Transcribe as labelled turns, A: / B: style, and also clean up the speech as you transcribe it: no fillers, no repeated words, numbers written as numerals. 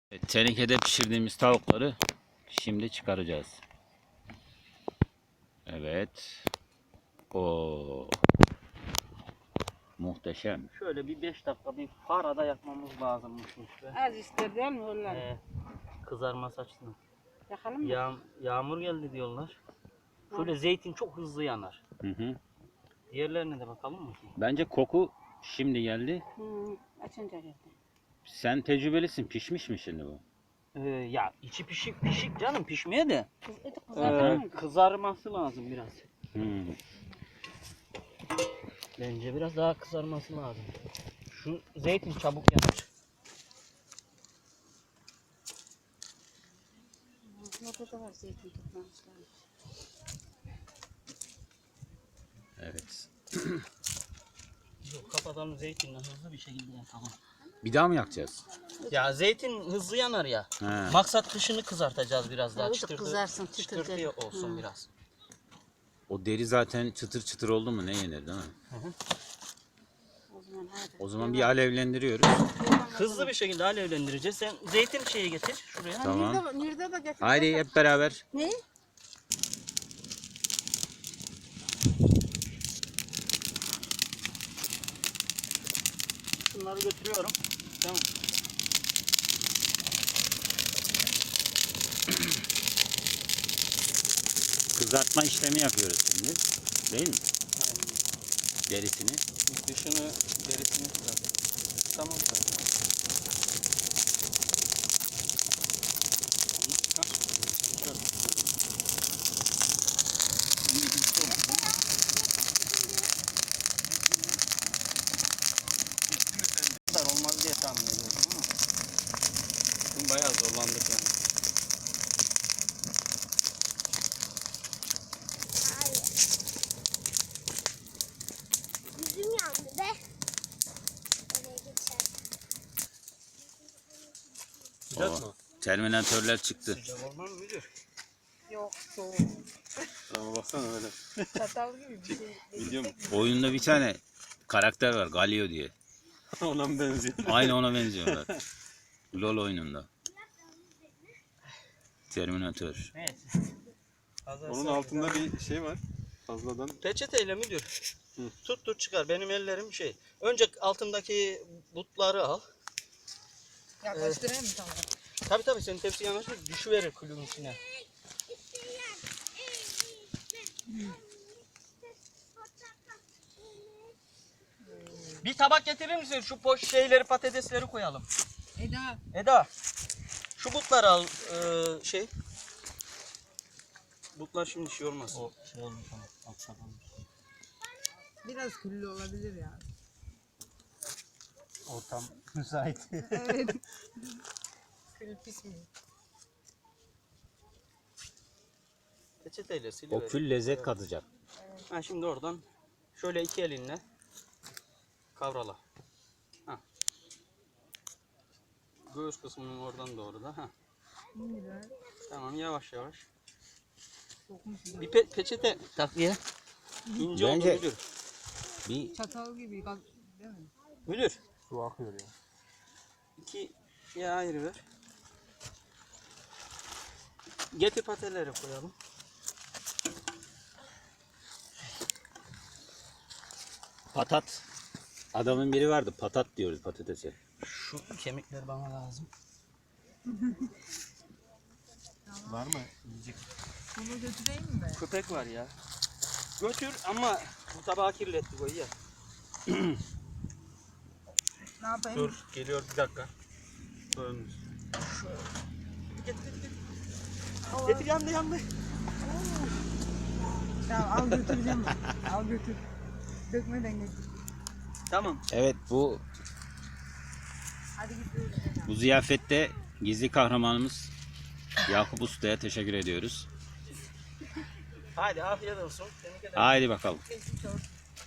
A: Tenekede pişirdiğimiz tavukları şimdi çıkaracağız. Evet. O muhteşem.
B: Şöyle bir 5 dakika bir farada yakmamız lazımmış.
C: Az ister değil mi onlar?
B: Kızarması açısından.
C: Yakalım mı?
B: Yağmur geldi diyorlar. Şöyle zeytin çok hızlı yanar.
A: Hı.
B: Diğerlerine de bakalım mı?
A: Bence koku şimdi geldi.
C: Açınca geldi.
A: Sen tecrübelisin. Pişmiş mi şimdi bu?
B: Ya içi pişik canım, pişmeye de
C: Kızartalım.
B: kızarması lazım biraz.
A: Hı.
B: Bence biraz daha kızarması lazım. Şu zeytin çabuk yanar.
C: Burada da var zeytin toplamışlar.
A: Evet.
B: Yok, kapatalım, zeytinle hızlı bir şekilde yapalım.
A: Bir daha mı yakacağız?
B: Ya zeytin hızlı yanar ya.
A: He.
B: Maksat dışını kızartacağız biraz daha.
C: Tabii de kızarsın, çıtır
B: çıtırtı
C: der.
B: olsun biraz.
A: O deri zaten çıtır çıtır oldu mu ne yenir değil mi?
C: O zaman hadi.
A: O zaman bir alevlendiriyoruz.
B: Hızlı bir şekilde alevlendireceğiz. Sen zeytin şeyi getir şuraya.
A: Tamam.
C: Nerede de getir.
A: Haydi hep beraber.
C: Ne?
B: Şunları götürüyorum. Tamam.
A: Kızartma işlemi yapıyoruz şimdi. Değil mi? Derisini.
B: Dışını, derisini kızart. Tamam. Olmaz diye tahmin ediyorum ama bugün bayağı zorlandık yani.
D: Yüzüm yandı be. Oraya geçer.
B: Sıcak
A: Oo.
B: mı?
A: Terminatörler çıktı.
B: Sıcak olmaz mı müdür?
C: Yok, soğuk.
E: Ama baksana öyle.
C: Çatal gibi bir şey.
E: Biliyor musun?
A: Oyunda bir tane karakter var. Galio diye.
E: Ona mı benziyor?
A: Aynı ona benziyorlar. LoL oyununda. Terminatör.
B: Evet.
E: Onun altında bir şey var. Fazladan.
B: Peçeteyle müdür?
E: Hı.
B: Tut çıkar. Benim ellerim şey. Önce altındaki butları al.
C: Yaklaştırayım mı tamam?
B: Tabii senin tepsi yanaşır, düşüverir kulün içine. Bir tabak getirir misin? Şu şeyleri, patatesleri koyalım. Eda. Şu butları al, şey. Butlar şimdi şey olmaz. O şey olmuş ama.
F: Biraz küllü olabilir yani.
B: Ortam müsait.
F: Evet. Kül pis mi?
B: Peçeteyle siliver.
A: O kül lezzet katacak.
B: Ha, şimdi oradan şöyle iki elinle kavrala. Ha. Göğüs kısmının oradan doğru da. Ha.
F: Güzel.
B: Tamam, yavaş yavaş.
F: Sokmuş.
B: Bir peçete takviye. İnce oldu
A: Bence-
B: müdür.
A: Bir
F: Çatal gibi değil mi?
B: Müdür.
E: Su akıyor ya.
B: İki şeye ayrı ver. Getir pateleri koyalım.
A: patat. Adamın biri vardı. Patat diyoruz patatese.
B: Şu kemikler bana lazım.
E: Var mı? Yiyecek.
F: Bunu götüreyim mi?
B: Köpek var ya. Götür ama bu tabağı kirlettik o ya.
F: Ne yapayım?
B: Dur, geliyor bir dakika. Dönmüş. Getir. Getir, yandı.
F: Tamam al götüreceğim ben. Al götür. Dökmeden götür.
B: Tamam.
A: Evet bu
F: Hadi gidiyoruz.
A: ziyafette gizli kahramanımız Yakup Usta'ya teşekkür ediyoruz.
B: Hadi afiyet olsun. Seni
A: Haydi bakalım.
F: Geçmiş olsun.